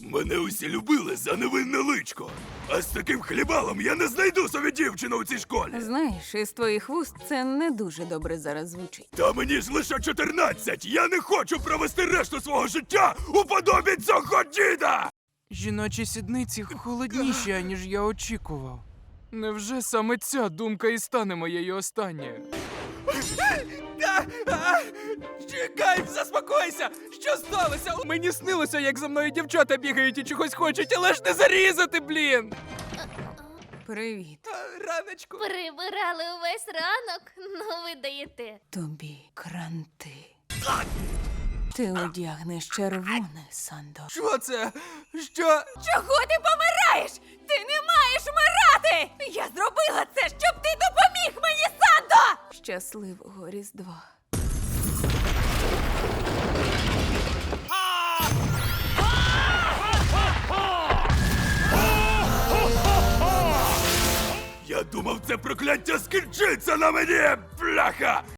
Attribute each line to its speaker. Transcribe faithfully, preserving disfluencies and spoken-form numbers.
Speaker 1: Мене усі любили за невинне личко. А з таким хлібалом я не знайду собі дівчину у цій школі.
Speaker 2: Знаєш, із твоїх вуст це не дуже добре зараз звучить.
Speaker 1: Та мені ж лише чотирнадцять. Я не хочу провести решту свого життя у подобі цього діда!
Speaker 3: Жіночі сідниці холодніші, аніж я очікував. Невже саме ця думка і стане моєю останньою? Чекай, заспокойся! Що сталося? Мені снилося, як за мною дівчата бігають і чогось хочуть, але ж не зарізати, блін!
Speaker 2: Привіт.
Speaker 3: Раночку.
Speaker 4: Прибирали увесь ранок, ну ви даєте.
Speaker 2: Тобі кранти. Ти одягнеш червоне, Сандо.
Speaker 3: Що це? Що?
Speaker 2: Чого ти помираєш? Ти не маєш вмирати! Я зробила це, щоб ти допоміг мені, Сандо! Щасливого Різдва.
Speaker 1: Я думав, це прокляття скінчиться на мені, бляха!